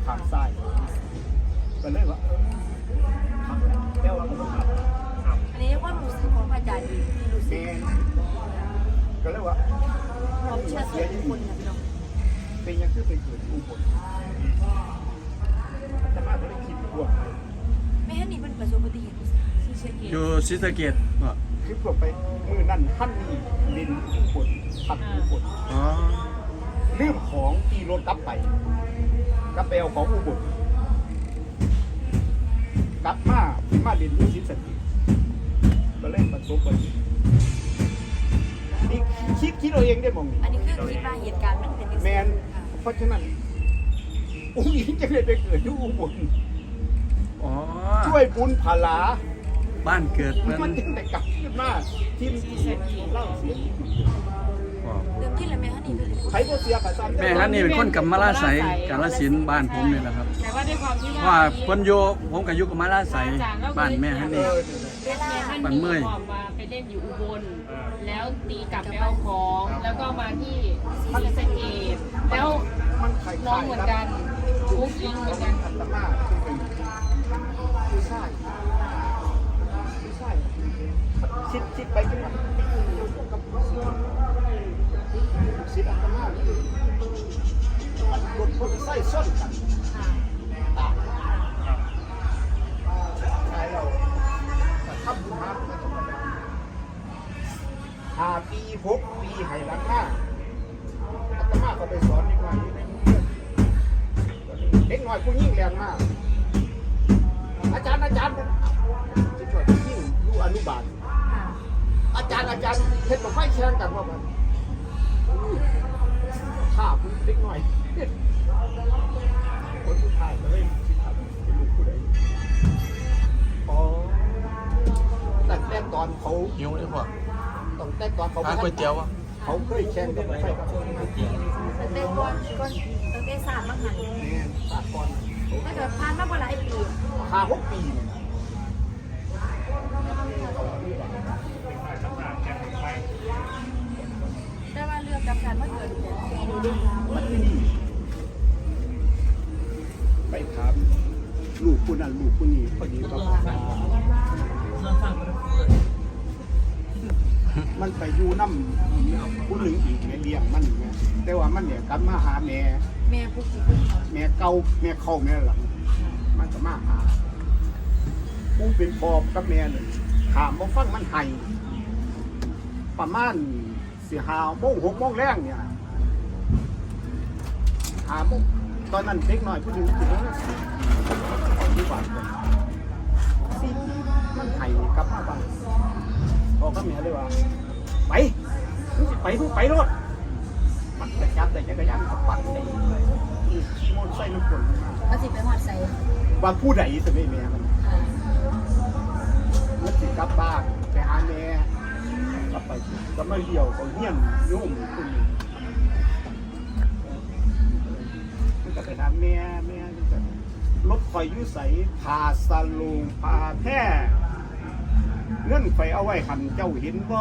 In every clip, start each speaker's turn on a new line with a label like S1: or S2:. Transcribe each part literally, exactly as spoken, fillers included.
S1: างซ้ายก็เลยว่าแล้วเราก็ต้อง
S2: อันนี้ความรู้สึกของอาจารย์ที่รู้สึ
S1: แม
S2: ก
S1: นก็เลยว่า
S2: ความเชื่อส่วนบุคคลนะพี่น้อง
S1: เป็นยังคือไปเกิดอุบลแต่มาก็เลยคิดบวก
S2: ไม่ให้นี่เป็นประสบอุบัติเหตุที่เชียงเกต
S3: อยู่ศรีสะเกษบ่
S1: คิดบวกไปมือนั่นท่านนี่ลินอุบลทัดอุบล
S3: อ๋อ
S1: ลืมของตีรถกลับไปกลับไปเอาของอุบลกลับมามาลินที่ศรีสะเกษก็เล่นประสบอุบัติเหตุนี่คิดคิดเอาเองได้มองนี่
S2: อันนี้คือคิดว่าเหตุการณ์มันเป็นยังไง
S1: แมนเพราะฉะนั้นอุ้งอิงจะเลยไปเกิดที่อุบล
S3: อ๋อ
S1: ช่วยบุญผาลา
S3: บ้านเกิด
S1: มั
S3: เพิ่
S1: น
S3: น
S1: จึงแต่กลับขึ้นมาทีมที่เล่าเสีย
S3: อ๋อ
S2: เริ่มที่แล้วแม่ฮันนี่เป็นคน
S1: ใครก็เสียกับซ้ำ
S3: แม่ฮันนี่เป็นคนกำมะลาไสกาฬสินธุ์บ้านผมนี่แหละครับ
S4: แต่ว่าด้วยความที่
S3: เพราะ
S4: ว่า
S3: ว่าเพิ่นอยู่ผมก็อยู่กำมะลาไสบ้านแม่ฮัน
S1: เอ
S3: นี่
S1: อ
S2: เวลา
S4: ท่านมีความมาไปเล่นอยู่อุบลแล้วตีกลับไปเอาของแล้วก็มาที่ศรีสะเกษแล้ว
S1: มันใคร
S4: น้องเหมือนกันทุกยิงเหมือนกัน
S1: อัตมาที่เป็นผู้ชายผู้ชายคิดคิดไปคิดมากับสิทธิ์อัตมามันกดคนใส่ส้นกันตายตายเราทำบุญมาไม่ธรรมดาห้าปีหกปีให้หลังหน้าอาตมาก็ไปสอนเด็กน้อยอยู่ในเมืองเด็กน้อยผู้ยิ่งแรงมากอาจารย์อาจารย์จะช่วยผู้ยิ่งรู้อนุบาลอาจารย์อาจารย์เห็นบอกไฟแข่งกันว่ามันข้าผู้เด็กน้อยคนสุดท้ายก็เลยคิดถามเป็นลูกผู้ใดอ๋อแต่แต่ตอนเขา
S3: หิวเลยพ่อ
S1: ต้องแต่ตอนเขา
S3: ร้านก๋วยเตี๋ยวอ่ะ
S1: เขาเคยแข่งกันไฟกับ
S2: ตั้งแต่ก่อนก่อนตั้งแต่สามมหัน
S1: แม่สากล
S2: ถ้าเกิดผ่านมากกว่าหลายปี
S1: ห้าหกปี
S2: แต่ว่าเรื่องกับการมาเกิดเนี่ย
S1: มันไม่ดีไปถามลูกผู้นั้นลูกผู้นี้พอดีก็มันไปอยู่น้ำผู้หนึ่งอีกในเลี้ยงมันเนี่ยแต่ว่ามันเนี่ยกลับมาหาแม่
S2: แม่ผู้กี่คนเขา
S1: แม่เก่าแม่เข้าแม่หลังมันก็มาหาผู้เป็นพ่อกับแม่เนี่ยถามว่าฟังมันไห้ประมาณสี่ห้าโมงหกโมงแรงเนี่ยหาโมงตอนนั้นเด็กน้อยผู้หญิงผู้หญิงที่บ้านสี่มันไห้กลับมาบ้านพ่อกับแม่เลยว่าไปไปทุกไปรถมันจะจับแต่จักรยานขับปั่นได้ขี่มอเตอร์ไซค์มันกลมา
S2: มาสิไปหอดใส่
S1: ว่าผู้ใดจะไม่แม่มันมันสิกลับบ้านไปหาแม่กลับไปก็มาเลี้ยวก็เฮี้ยนโยมคนนึงมันก็ไปถามแม่แม่รถไฟยุ่ใสพาสลูงพาแท้เงินไฟเอาไว้หันเจ้าเห็นบ่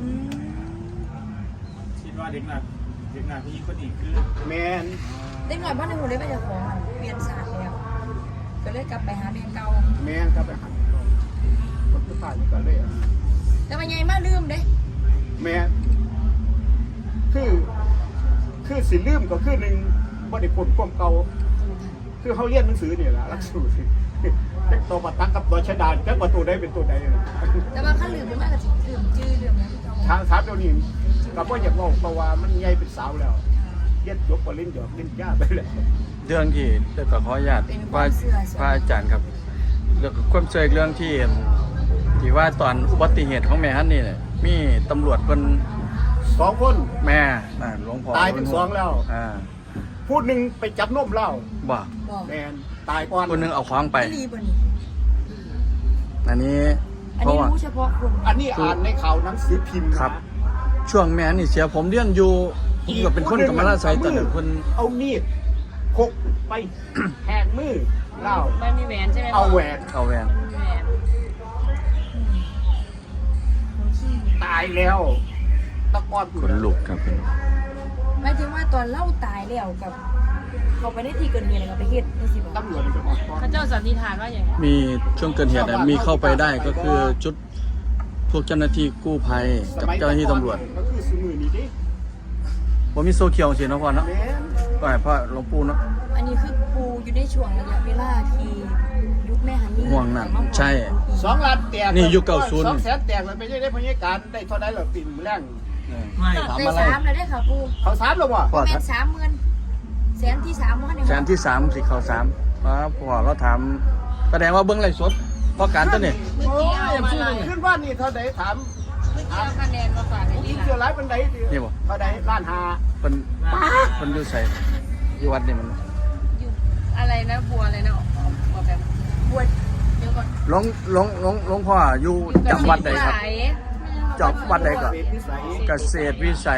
S5: คิดว่าเด็กหนักเด็กหนักผู้หญิงคนนี้คือ
S1: แม่น
S2: เด็กหน่อยบ้านในหูได้ไปจากของมันเปลี่ยนศาสตร์แล้วก็เลยกลับไปหาแม่เก่า
S1: แม่นก็ไปหันคนผู้ชายนี่ก็เลย
S2: แต่ว่าใหญ่มากลืมเด้
S1: แม่คือคือสิลืมก็คือหนึ่งบ่ได้ผลความเก่าคือเขาเรียนหนังสือเนี่ยแหละหลักสูตรเด็กตัวปัตตังกับตัวชะดานแค่ประตูได้เป็นตัวใด
S2: แต่ว่าขั้นลืมไปมากก็สิลืมชื่อลืมนะพี่เก่า
S1: ทางสามเดี๋ยวนี้กับว่าอยากบอกเพราะว่ามันใหญ่เป็นสาวแล้วเรียนจบก็เล่นหยอกเล่นยาไปแล้ว
S3: เรื่องที่เดี๋ยวก็ขออนุญาตว่าพระอาจารย์ครับเรื่องความเชื่ออีกเรื่องที่ที่ว่าตอนอุบัติเหตุของแม่ฮันนี่เนี่ยมีตำรวจเพิ่น
S1: สองคน
S3: แม่น่ะหลวงพ่อ
S1: ตายเป็นสองแล้ว
S3: อ่า
S1: พูดหนึ่งไปจับนมเหล้า
S3: บ่
S2: บอก
S1: แมนตายก่อน
S3: คนหนึงเอาของไป
S2: ไม่รีบนี่
S3: อันนี้
S2: อัน
S3: เพราะ
S2: นี้
S3: ว่า
S2: รู้เฉพาะคน
S1: อันนี้อ่านในข่าวหนังสือพิมพ์
S3: ครับ
S1: นะ
S3: ช่วงแม่นี่เสียผมเรียนอยู่ผมก็เป็นคนกำมะลาไสตอนนั้นเพิ่น
S1: เอามีดพกไป แหกมือเหล้า
S4: ไม่มีแหวนใช่ไหม
S1: เอาแหวน
S3: เอาแหวน
S4: ไม่มีแหวน
S1: ตายแล้วตะกอน
S3: ขนลุกครับ
S2: หมายถึงว่าตอนเล่าตายแล้วกับเขาไปได้ที่เกินเหตุอะไรก็ไปเฮ็ดนี่สิบ่
S1: ตำรวจจะออกก่อน
S4: เขาเจ้าสันนิษฐานว่าอย่างไร
S3: มีช่วงเกิดเหตุเนี่ยมีเข้าไปได้ก็คือชุดพวกเจ้าหน้าที่กู้ภัยกับเจ้าหน้าที่ตำรวจ
S1: ก็คือสมือนี้ดิ
S3: ว่ามีโซเคียวสิเนาะพ่อเนาะ
S1: แม่น
S3: ก็ให้พ่อหลวงปู่เนาะ
S2: อันนี้คือปูอยู่ในช่วงระยะเวลาที่ยุคแม่ฮันนี่
S3: ห่วงนั่นใช่
S1: สองล้านแตก
S3: นี่ยุคเก้าสิบ
S1: สองแสนแตกมันไปได้พยาการได้เท่าใดเหรอปีนแรง
S5: ไม่
S3: ถาม
S2: ได้
S3: อะไร
S2: สามเลยได้ค่ะปู
S1: เขาสามแล้วบ่
S3: พ่อ
S2: แม่นสามหมื่นแสนที่สามว่าใน
S3: แสนที่สามสิเขาสามครับพ่อเราถามแสดงว่าเบื้องไรสดเพราะการตัวนี้
S4: เมื่อ
S1: โอ้
S4: กี้
S1: ย
S4: เอามาอะไร
S1: ขึ้นว่านี่เท่าใดถาม
S4: เมื่อกี้เอาคะแนนมาฝากใน
S1: ยิ
S4: นี้
S1: ง
S4: นะ
S1: เสือร้ายเป็นใดดิ
S3: นี่บ่
S1: เท่าใดล้านห้า
S3: เป็นเป็นอยู่ใส่อยู่วัดนี่มัน
S4: อยู่อะไรนะบัวอะไรนะบัวแบบ
S2: บวช
S4: เดี๋ยวก่อน
S3: หลวงหลวงหลวงหลวงพ่ออยู่จำวัดใดครับจำวัดใดก็
S1: เศษวิสัย
S3: เกษตรวิสัย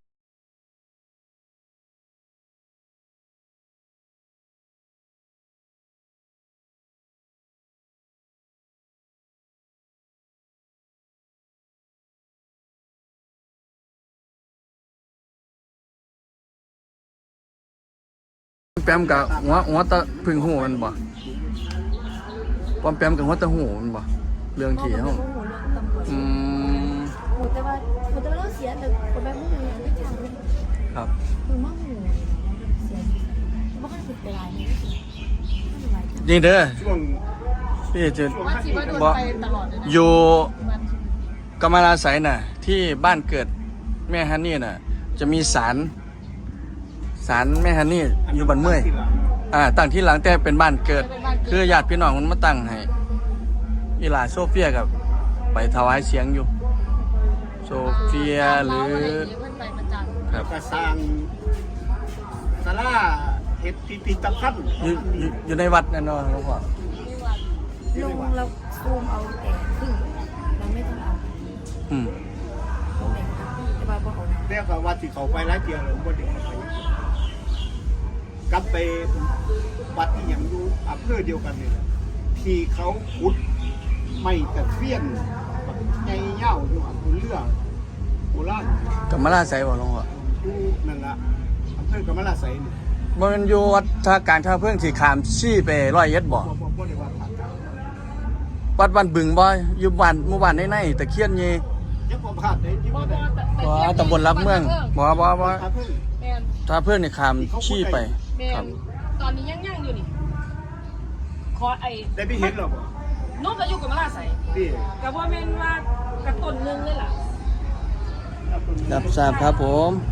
S3: แปมกับหัวหัวตะพึ่งหูมันบ่ปอมแปมกับหัวตะหูมันบ่เรื่องที่
S2: เขา
S3: เฮา
S2: โอ้โหเรื่องตำรวจ
S3: อืม
S2: โอ้แต่ว่าโอ้แต่ว่าเราเสียแต่คนแบบมึงไม่ทำเลย
S3: ครับ
S2: มึงมั่งหูเสียไม่ค่อยผิดเวลาเนี่ยไม่ไหวจ้ะ
S3: นี่เด้อ
S1: ช่วง
S3: พี่จะ
S4: ว่าคิดว่าโดน
S3: บ่
S4: ไปตลอดเลยนะ
S3: อยู่
S4: วัน
S3: กำมะลาไสยน่ะ ที่บ้านเกิดแม่ฮันนี่น่ะ จะมีศาลศาลแม่ฮันนี่อยู่บ้านเมื่อยอ่าตั้งที่หลังแต่เป็นบ้านเกิด คือญาติพี่น้องมันมาตั้งให้อีหลาโซเฟียกับไปถวายเสียงอยู่ โซเฟียหรือ
S4: เพื่อนไปประจำ
S3: ครับ
S1: กระสร้างศาลาเฮ็ดพิพิธภัณฑ์
S3: อยู่อยู่อยู่ในวัดนั่นเนาะหลวงพ่อ
S2: ลงเราซูมเอาแต่ครึ่งเราไม่ต้องเอา
S3: อืม
S2: ตรงไหนก็ได้แต่ว่าบ่เอานะ
S1: เรียกว่าวัดที่เขาไปหลายเที่ยวแล้วบ่ได้เข้าไปกลับไปวัดที่ยังอยู่อำเภอเดียวกันนี่แหละที่เขาขุดไม่ตะเคียนใหญ่ยาวอยู่อำเภอเรือโบราณ
S3: กำมะลาไสยบ่หลวงพ่อ
S1: อยู่นั่นล่ะอำเภอกำมะลาไสยนี่
S3: บ่แมันอยู่วัดท่าการท่าเพิ่งที่ขามชี้ไปร้อยเอ็ดบ่
S1: บ่บ่บ่ได้ว่าผ่านการ
S3: วัดบ้านบึงบ่อยู่บ้านหมู่บ้านในๆตะเคียนนี่
S1: ยังบ่ผ่านได้ที่
S4: บ่
S1: บ่
S4: บ่
S1: ได้
S3: บ่ตำบลรับเมืองบ่บ่บ่
S1: พาเพิ่ง
S4: แมน
S3: ท่าเพิ่งนี่ขามชี้ไป
S4: แม
S3: ครับ
S4: นตอนนี้ยังยังอยู่นี่ขอไอ้
S1: ได้ไปเห็นหรอบ่
S4: นุ่มก็อยู่กับมาลาใส่
S1: พี่
S4: กับว่าแม่นว่ากระต้นหนึงเลยล่ะ
S3: รับทราบครับผม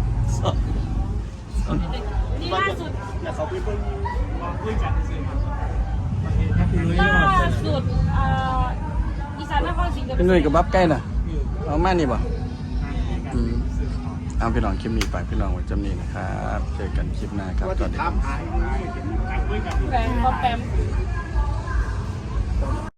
S4: นี่ล่าสุด
S1: แล้วเขาไปเบิ่ง
S5: มาคุยกันสิครับ
S4: ล่าสุดอ่าอีสานนครศรีธรรม
S3: พี่หนุ่ยกับ
S4: ราช
S3: บับใกล้น่ะเอามานี่บ่อืมเอาพี่น้องคลิปนี้ไปพี่น้องไว้จำนี้นะครับเจอกันคลิปหน้าครับ
S1: ว่า
S3: ส
S1: จะ
S3: วัสดีค
S1: ถา
S3: รั
S1: ม
S3: บ
S1: หาย
S5: คุยกัน
S4: แปมก็แปม